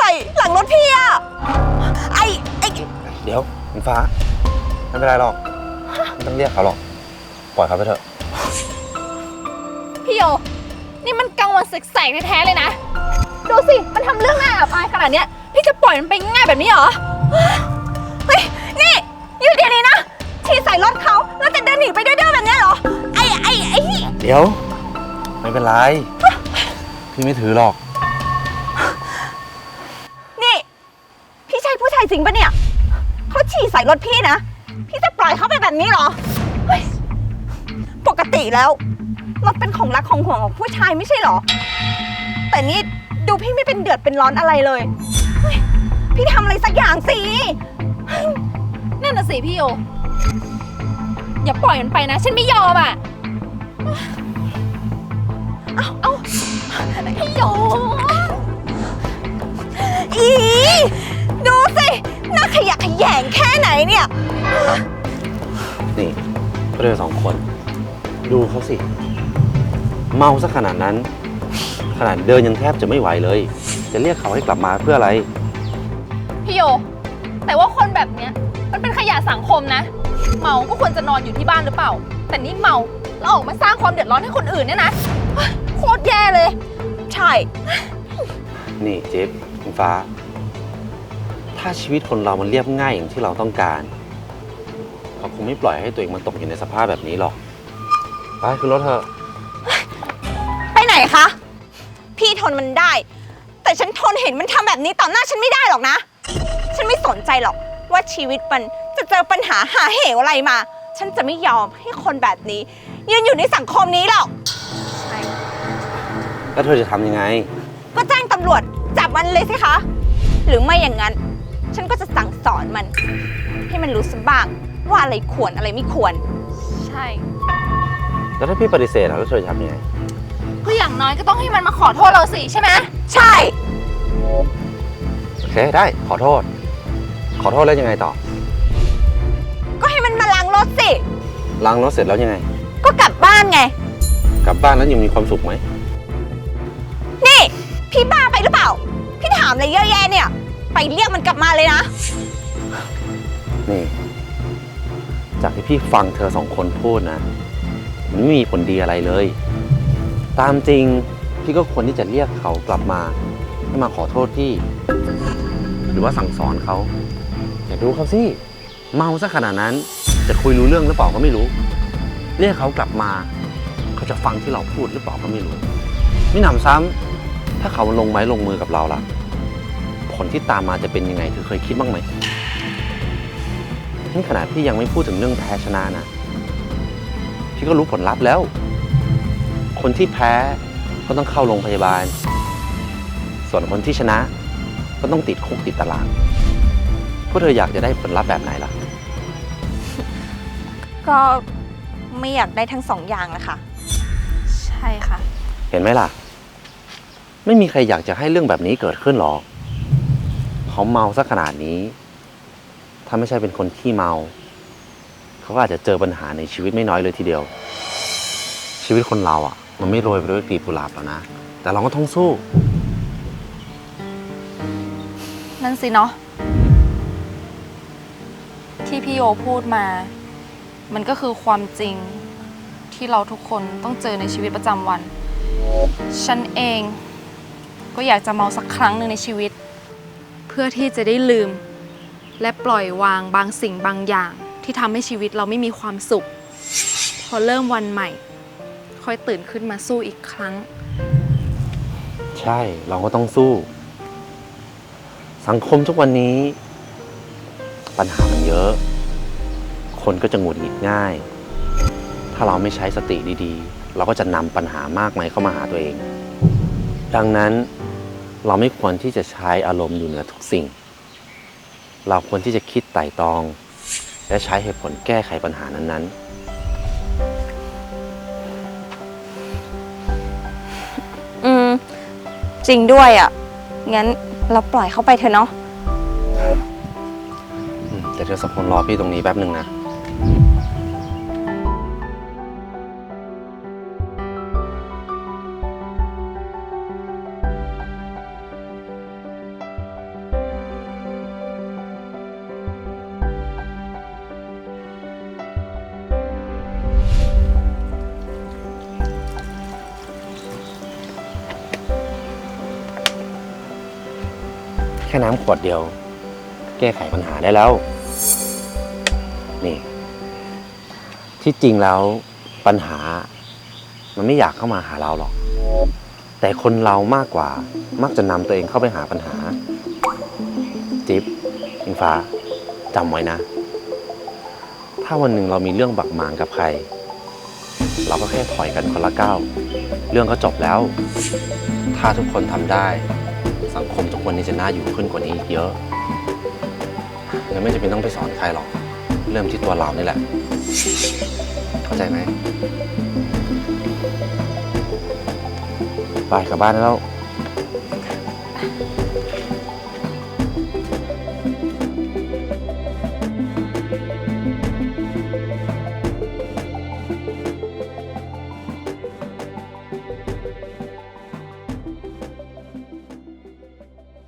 หลังรถพี่อะไอ้เดี๋ยวคุณฟ้าไม่เป็นไรหรอกไม่ต้องเรียกเขาหรอกปล่อยเขาไปเถอะพี่โยนี่มันกลางวันแสกๆแท้ๆเลยนะดูสิมันทำเรื่องน่าอับอายขนาดเนี้ยพี่จะปล่อยมันไปง่ายแบบนี้เหรอเฮ้ยนี่อยู่เดี๋ยวนี้นะฉีดใส่รถเขาแล้วจะเดินหนีไปดื้อๆแบบนี้เหรอไอ้เดี๋ยวไม่เป็นไรพี่ไม่ถือหรอกนี่พี่ใช่ผู้ชายจริงปะเนี่ยเขาฉี่ใส่รถพี่นะพี่จะปล่อยเขาไปแบบนี้เหรอเฮ้ยปกติแล้วรถเป็นของรักของห่วงของผู้ชายไม่ใช่เหรอแต่นี่ดูพี่ไม่เป็นเดือดเป็นร้อนอะไรเลยเฮ้ยพี่ทำอะไรสักอย่างสินั่นน่ะสิพี่โยอย่าปล่อยมันไปนะฉันไม่ยอมอ่ะเอาพี่โยอีดูสิน่าขยะแขยงแค่ไหนเนี่ยนี่ก็เลย2 คนดูเขาสิเมาซะขนาดนั้นขนาดเดินยังแทบจะไม่ไหวเลยจะเรียกเขาให้กลับมาเพื่ออะไรพี่โยแต่ว่าคนแบบเนี้ยมันเป็นขยะสังคมนะเมาก็ควรจะนอนอยู่ที่บ้านหรือเปล่าแต่นี่เมาแล้วออกมาสร้างความเดือดร้อนให้คนอื่นเนี่ยนะโคตรแย่เลยใช่นี่เจ๊คุณฟ้าถ้าชีวิตคนเรามันเรียบง่ายอย่างที่เราต้องการเขาคงไม่ปล่อยให้ตัวเองมันตกอยู่ในสภาพแบบนี้หรอกไปขึ้นรถเถอะไปไหนคะพี่ทนมันได้แต่ฉันทนเห็นมันทำแบบนี้ต่อหน้าฉันไม่ได้หรอกนะฉันไม่สนใจหรอกว่าชีวิตมันจะเจอปัญหาหาเหวอะไรมาฉันจะไม่ยอมให้คนแบบนี้ยืนอยู่ในสังคมนี้หรอกใช่แล้วเธอจะทำยังไงก็แจ้งตำรวจจับมันเลยสิคะหรือไม่อย่างนั้นฉันก็จะสั่งสอนมันให้มันรู้สักบ้างว่าอะไรควรอะไรไม่ควรใช่แล้วถ้าพี่ปฏิเสธแล้วเธอจะทำยังไงก็อย่างน้อยก็ต้องให้มันมาขอโทษเราสิใช่ไหมใช่โอเคได้ขอโทษแล้วยังไงต่อก็ให้มันมาล้างรถสิล้างรถเสร็จแล้วยังไงก็กลับบ้านไงกลับบ้านแล้วยังมีความสุขไหมนี่พี่บ้าไปหรือเปล่าพี่ถามอะไรเยอะแยะเนี่ยไปเรียกมันกลับมาเลยนะนี่จากที่พี่ฟังเธอ2 คนพูดนะมันไม่มีผลดีอะไรเลยตามจริงพี่ก็ควรที่จะเรียกเขากลับมาให้มาขอโทษพี่หรือว่าสั่งสอนเขาอย่าดูเขาสิเมาซะขนาดนั้นจะคุยรู้เรื่องหรือเปล่าก็ไม่รู้เรียกเขากลับมาเขาจะฟังที่เราพูดหรือเปล่าก็ไม่รู้ไม่หนำซ้ำถ้าเขาลงไม้ลงมือกับเราล่ะผลที่ตามมาจะเป็นยังไงเธอเคยคิดบ้างไหมนี่ขนาดพี่ยังไม่พูดถึงเรื่องแพ้ชนะนะพี่ก็รู้ผลลัพธ์แล้วคนที่แพ้ก็ต้องเข้าโรงพยาบาลส่วนคนที่ชนะก็ต้องติดคุกติดตารางพวกเธออยากจะได้ผลลัพธ์แบบไหนล่ะก็ไม่อยากได้ทั้ง2 อย่างนะคะใช่ค่ะเห็นไหมล่ะไม่มีใครอยากจะให้เรื่องแบบนี้เกิดขึ้นหรอกเขาเมาซะขนาดนี้ถ้าไม่ใช่เป็นคนขี้เมาเขาก็อาจจะเจอปัญหาในชีวิตไม่น้อยเลยทีเดียวชีวิตคนเราอ่ะมันไม่โรยไปด้วยกลีบกุหลาบหรอกนะแต่เราก็ต้องสู้นั่นสิเนาะที่พี่โอพูดมามันก็คือความจริงที่เราทุกคนต้องเจอในชีวิตประจำวันฉันเองก็อยากจะเมาสักครั้งหนึ่งในชีวิตเพื่อที่จะได้ลืมและปล่อยวางบางสิ่งบางอย่างที่ทำให้ชีวิตเราไม่มีความสุขพอเริ่มวันใหม่ค่อยตื่นขึ้นมาสู้อีกครั้งใช่เราก็ต้องสู้สังคมทุกวันนี้ปัญหามันเยอะคนก็จะหงุดหงิดง่ายถ้าเราไม่ใช้สติดีๆเราก็จะนำปัญหามากมายเข้ามาหาตัวเองดังนั้นเราไม่ควรที่จะใช้อารมณ์อยู่เหนือทุกสิ่งเราควรที่จะคิดไตร่ตรองและใช้เหตุผลแก้ไขปัญหานั้นๆจริงด้วยอ่ะงั้นเราปล่อยเขาไปเถอะเนาะแต่เธอ2 คนรอพี่ตรงนี้แป๊บนึงนะแค่น้ำขวดเดียว แก้ไขปัญหาได้แล้ว นี่ ที่จริงแล้วปัญหา มันไม่อยากเข้ามาหาเราหรอก แต่คนเรามากกว่ามักจะนำตัวเองเข้าไปหาปัญหา จิ๊บอิงฟ้าจำไว้นะ ถ้าวันหนึ่งเรามีเรื่องบักหมางกับใคร เราก็แค่ถอยกันคนละก้าวเรื่องก็จบแล้ว ถ้าทุกคนทำได้ สังคมทุกวันนี้จะน่าอยู่ขึ้นกว่านี้อีกเยอะงั้นไม่จำเป็นต้องไปสอนใครหรอก เริ่มที่ตัวเรานี่แหละ เข้าใจไหมไปกลับบ้านได้แล้ว